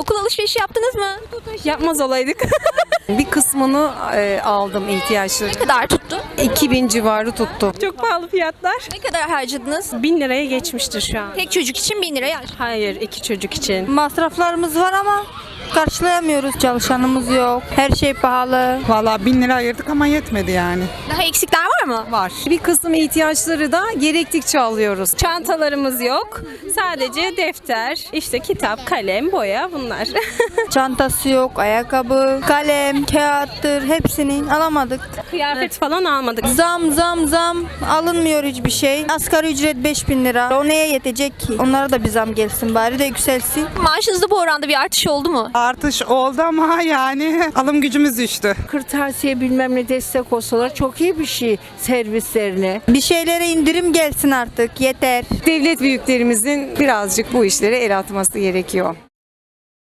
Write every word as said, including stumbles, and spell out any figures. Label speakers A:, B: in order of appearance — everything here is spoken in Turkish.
A: okul alışverişi yaptınız mı?
B: Yapmaz olaydık. Bir kısmını e, aldım ihtiyaçları.
A: Ne kadar tuttu?
B: iki bin civarı tuttu.
C: Çok pahalı fiyatlar.
A: Ne kadar harcadınız?
C: Bin liraya geçmiştir şu an.
A: Tek çocuk için bin liraya harcadınız.
C: Hayır, iki çocuk için.
D: Masraflarımız var ama karşılayamıyoruz. Çalışanımız yok. Her şey pahalı.
E: Vallahi bin lira ayırdık ama yetmedi yani.
A: Daha eksikler var mı?
B: Var. Bir kısım ihtiyaçları da gerektikçe alıyoruz.
C: Çantalarımız yok. Sadece defter, işte kitap, kalem, boya bunlar.
D: Çantası yok, ayakkabı, kalem, kağıttır hepsini alamadık.
C: Kıyafet falan almadık.
D: Zam zam zam alınmıyor hiçbir şey. Asgari ücret beş bin lira. O neye yetecek ki? Onlara da bir zam gelsin bari de yükselsin.
A: Maaşınızda bu oranda bir artış oldu mu?
E: Artış oldu ama yani alım gücümüz düştü.
F: Kırtasiye bilmem ne destek olsalar çok iyi bir şey servislerine.
D: Bir şeylere indirim gelsin artık yeter.
B: Devlet büyüklerimizin birazcık bu işlere el atması gerekiyor.